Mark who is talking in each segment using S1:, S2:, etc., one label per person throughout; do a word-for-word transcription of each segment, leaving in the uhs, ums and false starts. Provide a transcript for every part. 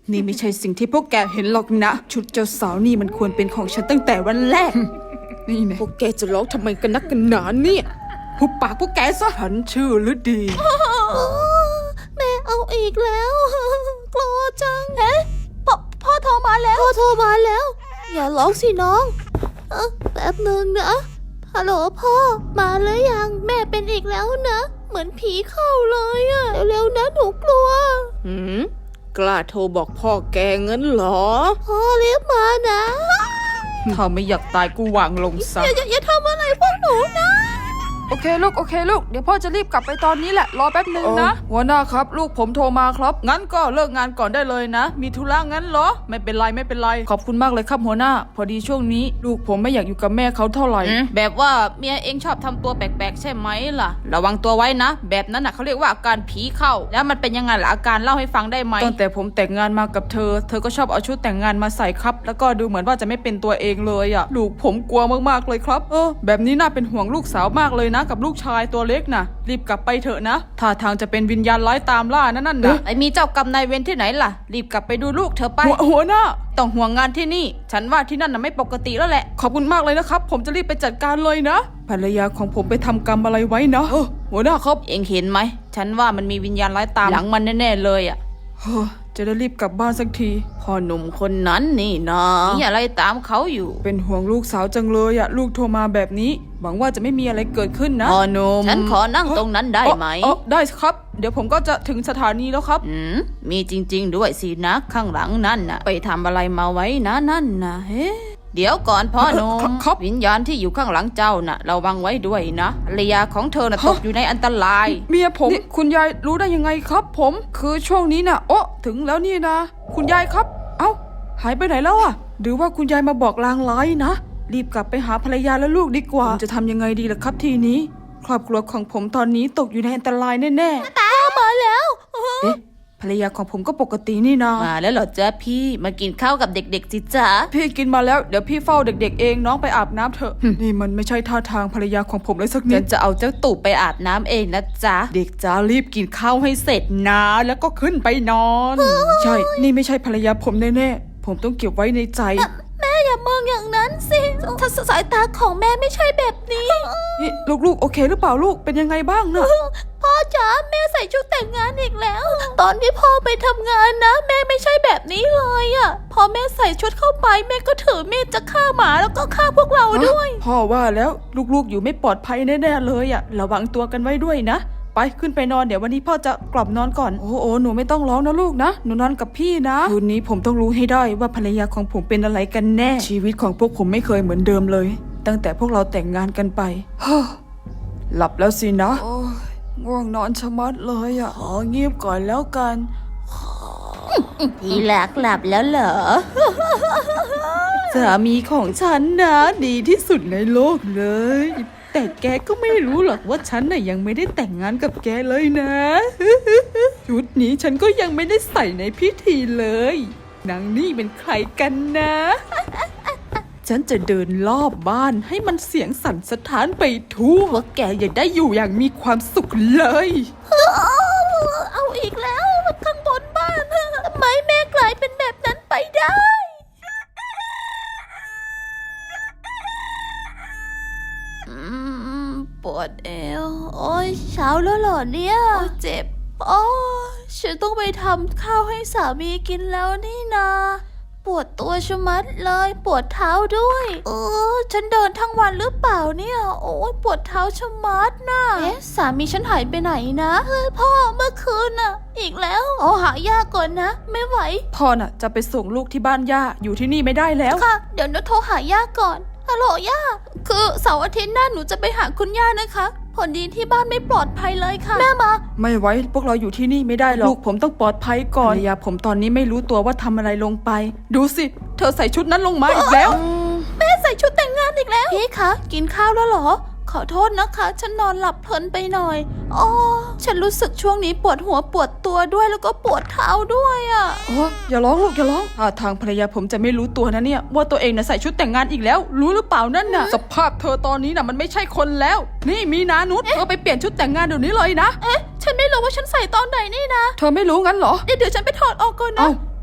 S1: นี่ไม่ใช่สิ่งที่พวกแกเห็นหรอกนะชุดเจ้าสาวนี่มันควรเป็นของฉันตั้งแต่วันแรกนี่นะพวกแกจะร้องทำไมกันนักกันหนาเนี่ยหุบปากพวกแกซะฉันชื่อฤดี
S2: แม่เอาอีกแล้วกลัวจังเฮ้พ่อพ่อโทรมาแล้วพ่อโทรมาแล้วอย่าร้องสิน้องเออแป๊บนึงนะฮัลโหลพ่อมาแล้วยังแม่เป็นอีกแล้วนะเหมือนผีเข้าเลยอะเร็วๆนะหนูกลัว
S1: หืมกล้าโทรบอกพ่อแกงั้นเหรอ
S2: พ่อเรียกมานะ
S1: ถ้าไม่อยากตายกูวางลงซะ
S2: อย่าอย่าอย่าทำอะไรพวกหนูนะ
S3: โอเคลูกโอเคลูกเดี๋ยวพ่อจะรีบกลับไปตอนนี้แหละรอแป๊บนึงนะหัวหน้าครับลูกผมโทรมาครับงั้นก็เลิกงานก่อนได้เลยนะมีธุระงั้นเหรอไม่เป็นไรไม่เป็นไรขอบคุณมากเลยครับหัวหน้าพอดีช่วงนี้ลูกผมไม่อยากอยู่กับแม่เขาเท่าไหร่
S1: แบบว่าเมียเองชอบทำตัวแปลกๆใช่ไหมล่ะระวังตัวไว้นะแบบนั้นน่ะเขาเรียกว่าอาการผีเข้าแล้วมันเป็นยังไงล่ะอาการเล่าให้ฟังได้ไหม
S3: ตั้งแต่ผมแต่งงานมากับเธอเธอก็ชอบเอาชุดแต่งงานมาใส่ครับแล้วก็ดูเหมือนว่าจะไม่เป็นตัวเองเลยอ่ะลูกผมกลัวมากๆเลยครับเออแบบนี้น่าเป็นห่วงลูกสาวมากเลยนะกับลูกชายตัวเล็กนะรีบกลับไปเถอะนะท่าทางจะเป็นวิญญาณร้ายตามล่านั่นนั่นนะ
S1: ไอ้มีเจ้ากรรมนายเวรที่ไหนล่ะรีบกลับไปดูลูกเธอไป
S3: หัวหน้า
S1: ต้องห่วงงานที่นี่ฉันว่าที่นั่นน่ะไม่ปกติแล้วแหละ
S3: ขอบคุณมากเลยนะครับผมจะรีบไปจัดการเลยนะภรรยาของผมไปทำกรรมอะไรไว้นะเออหัวหน้าครับ
S1: เองเห็นไหมฉันว่ามันมีวิญญาณร้ายตามหลังมันแน่ๆเลยอ่ะ
S3: จะได้รีบกลับบ้านสักที
S1: พ่อหนุ่มคนนั้นนี่นะมีอะไรตามเขาอยู่
S3: เป็นห่วงลูกสาวจังเลยอะลูกโทรมาแบบนี้หวังว่าจะไม่มีอะไรเกิดขึ้นนะ
S1: พ่อหนุ่มฉันขอนั่งตรงนั้นได้ไหม
S3: อ๋อได้ครับเดี๋ยวผมก็จะถึงสถานีแล้วครับ
S1: อืมมีจริงๆด้วยสินะข้างหลังนั่นน่ะไปทำอะไรมาไว้นะนั่นนะเฮ้เดี๋ยวก่อนพ่อหนุ่มวิญญาณที่อยู่ข้างหลังเจ้าน่ะระวังไว้ด้วยนะภรรยาของเธอน่ะตกอยู่ในอันตราย
S3: เมียผมคุณยายรู้ได้ยังไงครับผมคือช่วงนี้น่ะโอ้ถึงแล้วนี่นะคุณยายครับเอ้าหายไปไหนแล้วอะหรือว่าคุณยายมาบอกลางร้ายนะรีบกลับไปหาภรรยาและลูกดีกว่าจะทำยังไงดีล่ะครับทีนี้ครอบครัวของผมตอนนี้ตกอยู่ในอันตรายแน่
S2: ๆตามาแล้ว
S3: เอ๊ะภรรยาของผมก็ปกตินี่นา
S1: มาแล้วเหรอจ๊ะพี่มากินข้าวกับเด็กๆจิจ๊ะ
S3: พี่กินมาแล้วเดี๋ยวพี่เฝ้าเด็กๆเองน้องไปอาบน้ำเถอะนี่มันไม่ใช่ท่าทางภรรยาของผมเลยสักนิด
S1: จะเอาเจ้าตู่ไปอาบน้ำเองนะจ๊ะ
S3: เด็กจ้ารีบกินข้าวให้เสร็จนะแล้วก็ขึ้นไปนอนใช่นี่ไม่ใช่ภรรยาผมแน่ๆผมต้องเก็บไว้ในใจ
S2: แม่อย่ามองอย่างนั้นสิถ้าสายตาของแม่ไม่ใช่แบบนี้
S3: นี่ลูกๆโอเคหรือเปล่าลูกเป็นยังไงบ้างนะ
S2: พ่อจ๋าแม่ใส่ชุดแต่งงานอีกแล้วตอนที่พ่อไปทำงานนะแม่ไม่ใช่แบบนี้เลยอ่ะพอแม่ใส่ชุดเข้าไปแม่ก็ถือมีดจะฆ่าหมาแล้วก็ฆ่าพวกเราด้วย
S3: พ่อว่าแล้วลูกๆอยู่ไม่ปลอดภัยแน่ๆเลยอ่ะระวังตัวกันไว้ด้วยนะไปขึ้นไปนอนเดี๋ยววันนี้พ่อจะกลับนอนก่อนโอ้โหหนูไม่ต้องร้องนะลูกนะหนูนอนกับพี่นะคืนนี้ผมต้องรู้ให้ได้ว่าภรรยาของผมเป็นอะไรกันแน่ชีวิตของพวกผมไม่เคยเหมือนเดิมเลยตั้งแต่พวกเราแต่งงานกันไปฮ้หลับแล้วสินะโอ้ง่วงนอนชะมัดเลยอ่ะขอเงียบก่อนแล้วกัน
S2: ที่รักหลับแล้วเหรอ
S3: สามีของฉันนะดีที่สุดในโลกเลยแต่แกก็ไม่รู้หรอกว่าฉันน่ะยังไม่ได้แต่งงานกับแกเลยนะชุดนี้ฉันก็ยังไม่ได้ใส่ในพิธีเลยนางนี่เป็นใครกันนะฉันจะเดินรอบบ้านให้มันเสียงสั่นสะท้านไปทั่วว่าแกอย่าได้อยู่อย่างมีความสุขเลย
S2: เอาอีกแล้วข้างบนบ้านทำไมแม่กลายเป็นแบบนั้นไปได้ปวดเอวโอ้ยเช้าแล้วเหรอเนี่ยเจ็บโอ้ฉันต้องไปทำข้าวให้สามีกินแล้วนี่นาปวดตัวชะมัดเลยปวดเท้าด้วยเออฉันเดินทั้งวันหรือเปล่าเนี่ยโอ้ยปวดเท้าชะมัดนะเอ๊ะสามีฉันหายไปไหนนะเฮ้ยพ่อเมื่อคืนน่ะอีกแล้วโอ้หายากก่อนนะไม่ไหว
S3: พ่อน่ะจะไปส่งลูกที่บ้านย่าอยู่ที่นี่ไม่ได้แล้ว
S2: ค่ะเดี๋ยวหนูโทรหาย่าก่อนฮัลโหลย่าคือเสาร์อาทิตย์หน้าหนูจะไปหาคุณย่านะคะผลดีที่บ้านไม่ปลอดภัยเลยค่ะแม่มา
S3: ไม่ไว้พวกเราอยู่ที่นี่ไม่ได้หรอกลูกผมต้องปลอดภัยก่อนภรรยาผมตอนนี้ไม่รู้ตัวว่าทำอะไรลงไปดูสิเธอใส่ชุดนั้นลงมาอีกแล้ว
S2: แม่ใส่ชุดแต่งงานอีกแล้วพี่คะกินข้าวแล้วเหรอขอโทษนะคะฉันนอนหลับเพลินไปหน่อยอ๋อฉันรู้สึกช่วงนี้ปวดหัวปวดตัวด้วยแล้วก็ปวดเท้าด้วยอ่ะ
S3: โอ้อย่าร้องลูกอย่าร้องท่าทางภรรยาผมจะไม่รู้ตัวนะเนี่ยว่าตัวเองน่ะใส่ชุดแต่งงานอีกแล้วรู้หรือเปล่านั่นน่ะสภาพเธอตอนนี้น่ะมันไม่ใช่คนแล้วนี่มีนานุชเธอไปเปลี่ยนชุดแต่งงานเดี๋ยวนี้เลยนะ
S2: เอ๊ะฉันไม่รู้ว่าฉันใส่ตอนไหนนี่นะ
S3: เธอไม่รู้งั้นเหรอ
S2: เดี๋ยวเดี๋ยวฉันไปถอดออกก่อนนะ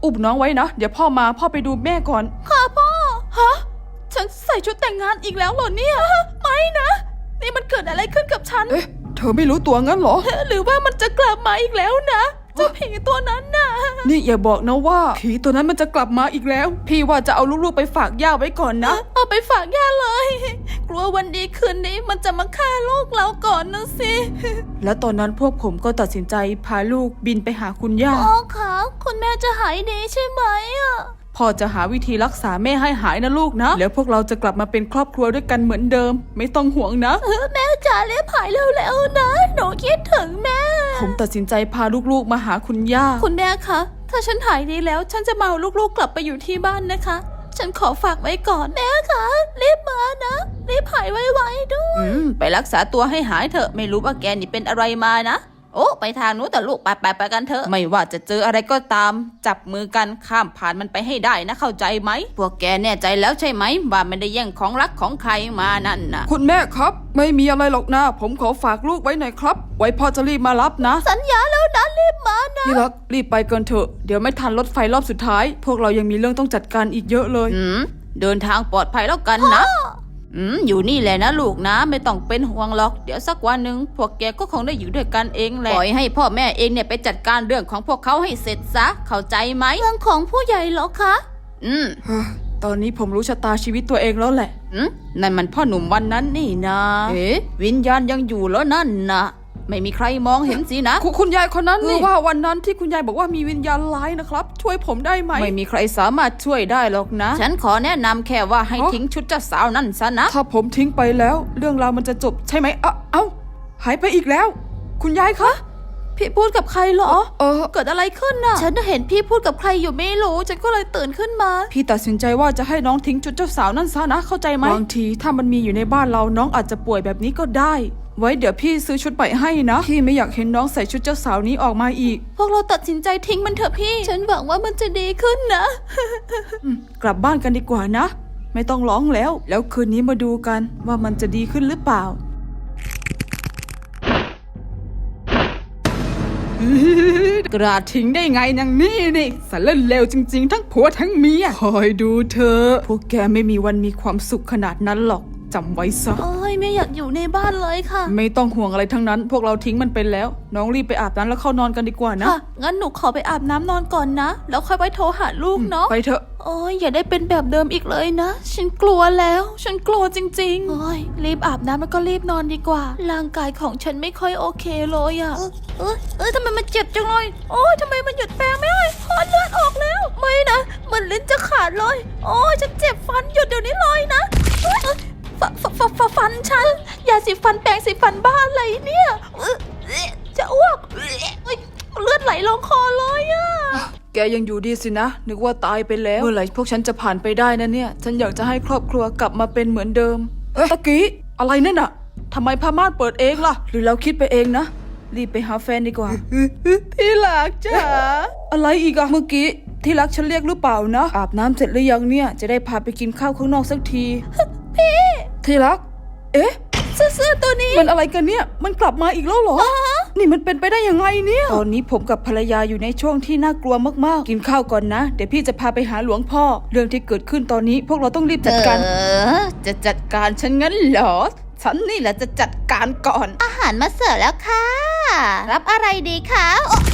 S3: อุ้มน้องไว้นะเดี๋ยวพ่อมาพ่อไปดูแม่ก่อนค่ะพ่อฮะฉันใส่ชุดแต่งงานอีกแล้วเหรอเนี่ยไม่นะนี่มันเกิดอะไรขึ้นกับฉันเอ๊ะเธอไม่รู้ตัวงั้นเหรอหรือว่ามันจะกลับมาอีกแล้วนะเจ้าผีตัวนั้นน่ะนี่อย่าบอกนะว่าผีตัวนั้นมันจะกลับมาอีกแล้วพี่ว่าจะเอาลูกๆไปฝากย่าไว้ก่อนนะเอาไปฝากย่าเลยกลัววันดีคืนนี้มันจะมาฆ่าลูกเราก่อนนะสิแล้วตอนนั้นพวกผมก็ตัดสินใจพาลูกบินไปหาคุณย่าอ๋อค่ะคุณแม่จะหายดีใช่ไหมอ่ะพ่อจะหาวิธีรักษาแม่ให้หายนะลูกนะแล้วพวกเราจะกลับมาเป็นครอบครัวด้วยกันเหมือนเดิมไม่ต้องห่วงนะแม่จ๋าเรียบหายเร็วๆนะหนูคิดถึงแม่ผมตัดสินใจพาลูกๆมาหาคุณย่าคุณแม่คะถ้าฉันหายดีแล้วฉันจะมาเอาลูกๆกลับไปอยู่ที่บ้านนะคะฉันขอฝากไว้ก่อนแม่คะรีบมานะรีบหายไวๆด้วยอืมไปรักษาตัวให้หายเถอะไม่รู้ว่าแกนี่เป็นอะไรมานะโอ้ไปทางนู้นแต่ลูกไปไปไปกันเถอะไม่ว่าจะเจออะไรก็ตามจับมือกันข้ามผ่านมันไปให้ได้นะเข้าใจไหมพวกแกแน่ใจแล้วใช่ไหมว่าไม่ได้แย่งของรักของใครมานั่นนะคุณแม่ครับไม่มีอะไรหรอกนะผมขอฝากลูกไว้หน่อยครับไว้พ่อจะรีบมารับนะสัญญาแล้วนะรีบมานะพี่รักรีบไปกันเถอะเดี๋ยวไม่ทันรถไฟรอบสุดท้ายพวกเรายังมีเรื่องต้องจัดการอีกเยอะเลยอืมเดินทางปลอดภัยแล้วกันนะอืมอยู่นี่แหละนะลูกนะไม่ต้องเป็นห่วงหรอกเดี๋ยวสักวันหนึ่งพวกแกก็คงได้อยู่ด้วยกันเองแหละปล่อยให้พ่อแม่เองเนี่ยไปจัดการเรื่องของพวกเขาให้เสร็จซะเข้าใจไหมเรื่องของผู้ใหญ่เหรอคะอืมตอนนี้ผมรู้ชะตาชีวิตตัวเองแล้วแหละอืมนั่นมันพ่อหนุ่มวันนั้นนี่นะเอ๊ะวิญญาณยังอยู่แล้วนั่นนะไม่มีใครมองเห็นสินะคุณคุณยายคนนั้นนี่ว่าวันนั้นที่คุณยายบอกว่ามีวิญญาณร้ายนะครับช่วยผมได้ไหมไม่มีใครสามารถช่วยได้หรอกนะฉันขอแนะนำแค่ว่าให้ทิ้งชุดเจ้าสาวนั่นซะนะถ้าผมทิ้งไปแล้วเรื่องราวมันจะจบใช่ไหมเอ้าเอ้าหายไปอีกแล้วคุณยายคะพี่พูดกับใครเหรอเออเกิดอะไรขึ้นน่ะฉันเห็นพี่พูดกับใครอยู่ไม่รู้ฉันก็เลยตื่นขึ้นมาพี่ตัดสินใจว่าจะให้น้องทิ้งชุดเจ้าสาวนั่นซะนะเข้าใจไหมบางทีถ้ามันมีอยู่ในบ้านเราน้องอาจจะป่วยแบบนี้ก็ได้ไว้เดี๋ยวพี่ซื้อชุดใหม่ให้นะพี่ไม่อยากเห็นน้องใส่ชุดเจ้าสาวนี้ออกมาอีกพวกเราตัดสินใจทิ้งมันเถอะพี่ฉันหวังว่ามันจะดีขึ้นนะ กลับบ้านกันดีกว่านะไม่ต้องร้องแล้วแล้วคืนนี้มาดูกันว่ามันจะดีขึ้นหรือเปล่ากระทิ้งได้ไงนางนี่นี่สารเลวจริงๆทั้งผัวทั้งเมียคอยดูเธอพวกแกไม่มีวันมีความสุขขนาดนั้นหรอกจำไว้ซะโอ้ยไม่อยากอยู่ในบ้านเลยค่ะไม่ต้องห่วงอะไรทั้งนั้นพวกเราทิ้งมันไปแล้วน้องรีบไปอาบน้ำแล้วเข้านอนกันดีกว่านะค่ะงั้นหนูขอไปอาบน้ำนอนก่อนนะแล้วค่อยไปโทรหาลูกเนาะไปเถอะโอ้ยอย่าได้เป็นแบบเดิมอีกเลยนะฉันกลัวแล้วฉันกลัวจริงๆโอ้ยรีบอาบน้ำแล้วก็รีบนอนดีกว่าร่างกายของฉันไม่ค่อยโอเคเลยอะเออเออเออทำไมมันเจ็บจังเลยโอ้ยทำไมมันหยุดแปลงไม่ได้พอเลือดออกแล้วไม่นะมันลิ้นจะขาดเลยโอ้ยฉันเจ็บฟันหยุดเดี๋ยวนี้เลยนะฟฟฟฟฟันฉันยาสีฟันแปรงสีฟันบ้าอะไรเนี่ยจะอ้วกเลือดไหลลงคอเลยอะแกยังอยู่ดีสินะนึกว่าตายไปแล้วเมื่อไหร่พวกฉันจะผ่านไปได้นะเนี่ยฉันอยากจะให้ครอบครัวกลับมาเป็นเหมือนเดิมเอ๊ะตะกี้อะไรนั่นน่ะทำไมผ้าม่านเปิดเองล่ะหรือเราคิดไปเองนะรีบไปหาแฟนดีกว่าที่รักจ้าอะไรอีกอะเมื่อกี้ที่รักฉันเรียกหรือเปล่านะอาบน้ำเสร็จหรือยังเนี่ยจะได้พาไปกินข้าวข้างนอกสักทีพี่ที่รักเอ๊ะเสื้อตัวนี้มันอะไรกันเนี่ยมันกลับมาอีกแล้วเหรอนี่มันเป็นไปได้ยังไงเนี่ยตอนนี้ผมกับภรรยาอยู่ในช่วงที่น่ากลัวมากๆกินข้าวก่อนนะเดี๋ยวพี่จะพาไปหาหลวงพ่อเรื่องที่เกิดขึ้นตอนนี้พวกเราต้องรีบจัดการเออจะจัดการฉันงั้นเหรอฉันนี่แหละจะจัดการก่อนอาหารมาเสิร์ฟแล้วค่ะรับอะไรดีคะ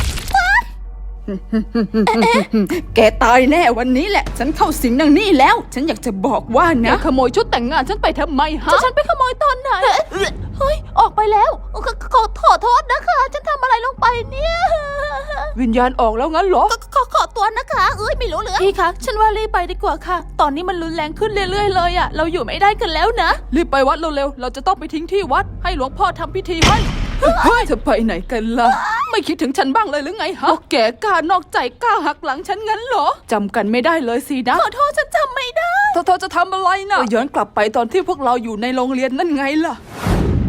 S3: แกตายแน่วันนี้แหละฉันเข้าสิงนางนี่แล้วฉันอยากจะบอกว่านะขโมยชุดแต่งงานฉันไปทำไมฮะฉันไปขโมยตอนไหนเฮ้ยออกไปแล้วขอขอโทษนะคะฉันทำอะไรลงไปเนี่ยวิญญาณออกแล้วงั้นเหรอขอขอตัวนะคะเอ้ยไม่รู้เลยพี่คะฉันว่ารีบไปดีกว่าค่ะตอนนี้มันรุนแรงขึ้นเรื่อยๆเลยอ่ะเราอยู่ไม่ได้กันแล้วนะรีบไปวัดเร็วๆเราจะต้องไปทิ้งที่วัดให้หลวงพ่อทำพิธีให้เฮ้ยจะไปไหนกันล่ะไม่คิดถึงฉันบ้างเลยหรือไงฮะแกกล้านอกใจกล้าหักหลังฉันงั้นเหรอจำกันไม่ได้เลยสินะขอโทษฉันจำไม่ได้เธอจะทำอะไรนะย้อนกลับไปตอนที่พวกเราอยู่ในโรงเรียนนั่นไงล่ะ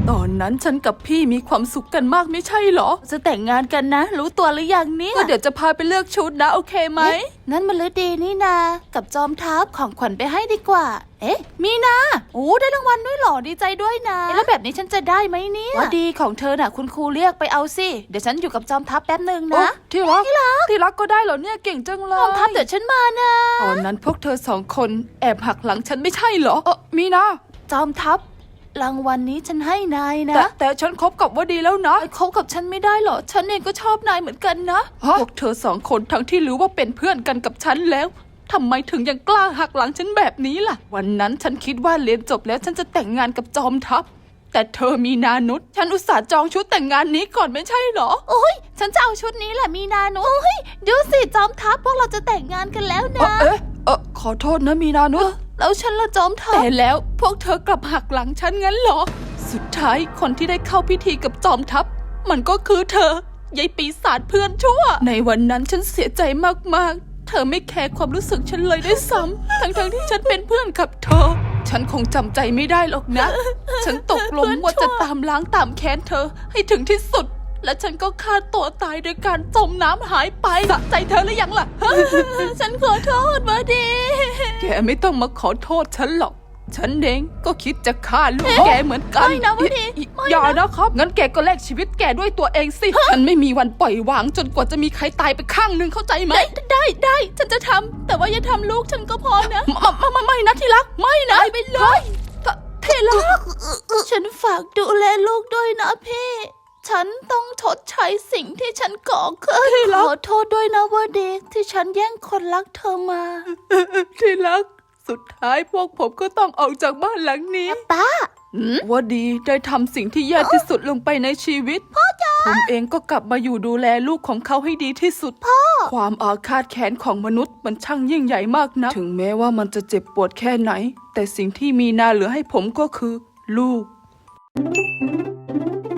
S3: ตอนนั้นฉันกับพี่มีความสุขกันมากไม่ใช่เหรอจะแต่งงานกันนะ รู้ตัวหรือยังเนี่ยก็เดี๋ยวจะพาไปเลือกชุดนะโอเคไหม
S2: นั่นมันฤดีนี่นากับจอมทัพของขวัญไปให้ดีกว่า เอ๊ะ มีนาโอ้ได้รางวัลด้วยเหรอดีใจด้วยนะแล้วแบบนี้ฉันจะได้ไหมเนี่ยว่าดีของเธอน่ะคุณครูเรียกไปเอาสิเดี๋ยวฉันอยู่กับจอมทัพแป๊บหนึ่งนะ
S3: ที่รักที่รักก็ได้เหรอเนี่ยเก่งจังเลย
S2: จอมทัพเดี๋ยวฉันมานะ
S3: ตอนนั้นพวกเธอสองคนแอบหักหลังฉันไม่ใช่เหรอเออมีนะ
S2: จอมทัพรางวัลนี้ฉันให้นายนะ
S3: แต่แต่ฉันคบกับว่าดีแล้วนะ
S2: คบกับฉันไม่ได้เหรอฉันเองก็ชอบนายเหมือนกันนะ
S3: พวกเธอสองคนทั้งที่รู้ว่าเป็นเพื่อนกันกับฉันแล้วทำไมถึงยังกล้าหักหลังฉันแบบนี้ล่ะวันนั้นฉันคิดว่าเรียนจบแล้วฉันจะแต่งงานกับจอมทัพแต่เธอมีนานุษฉันอุตส่าห์จองชุดแต่งงานนี้ก่อนไม่ใช่เหรอ
S2: โอ้ยฉันจะเอาชุดนี้แหละมีนานุโอ้ยดูสิจอมทัพพวกเราจะแต่งงานกันแล้วนะ
S3: เอ๊ะเออขอโทษนะมีนานุษ
S2: แล้วฉันละจอมทัพ
S3: แต่แล้วพวกเธอกลับหักหลังฉันงั้นเหรอสุดท้ายคนที่ได้เข้าพิธีกับจอมทัพมันก็คือเธอยายปีศาจเพื่อนชั่วในวันนั้นฉันเสียใจมากๆเธอไม่แคร์ความรู้สึกฉันเลยด้วยซ้ำ ทั้งๆที่ฉันเป็นเพื่อนกับเธอฉันคงจำใจไม่ได้หรอกนะ ฉันตกลงว่าจะตามล้างตามแค้นเธอให้ถึงที่สุดและฉันก็ฆ่าตัวตายโดยการจมน้ำหายไปสะใจเธอหรือยังล่ะ
S2: ฉันขอโทษมาดี
S3: แกไม่ต้องมาขอโทษฉันหรอกฉันเองก็คิดจะฆ่าลูกแกเหมือนกัน
S2: ไม่นะวะดิไม่นะ
S3: อย่านะครับงั้นแกก็แลกชีวิตแกด้วยตัวเองสิฉันไม่มีวันปล่อยวางจนกว่าจะมีใครตายไปข้างหนึ่งเข้าใจไหม
S2: ได้ได้ได้ฉันจะทำแต่ว่าอย่าทำลูกฉันก็พอนะ
S3: ไม่ไม่ไม่ไม่นะที่รักไม่นะ
S2: ไปเลยเทลักฉันฝากดูแลลูกด้วยนะพี่ฉันต้องชดใช้สิ่งที่ฉันก่อขึ้นขอโทษด้วยนะวดีที่ฉันแย่งคนรักเธอมา
S3: ที่รักสุดท้ายพวกผมก็ต้องออกจากบ้านหลังนี้
S2: ป้า
S3: ว่าดีได้ทำสิ่งที่แย่ที่สุดลงไปในชีวิตพ่อจ๋าผมเองก็กลับมาอยู่ดูแลลูกของเขาให้ดีที่สุดพ่อความอาฆาตแค้นของมนุษย์มันช่างยิ่งใหญ่มากนะถึงแม้ว่ามันจะเจ็บปวดแค่ไหน แต่สิ่งที่มีนาเหลือให้ผมก็คือลูก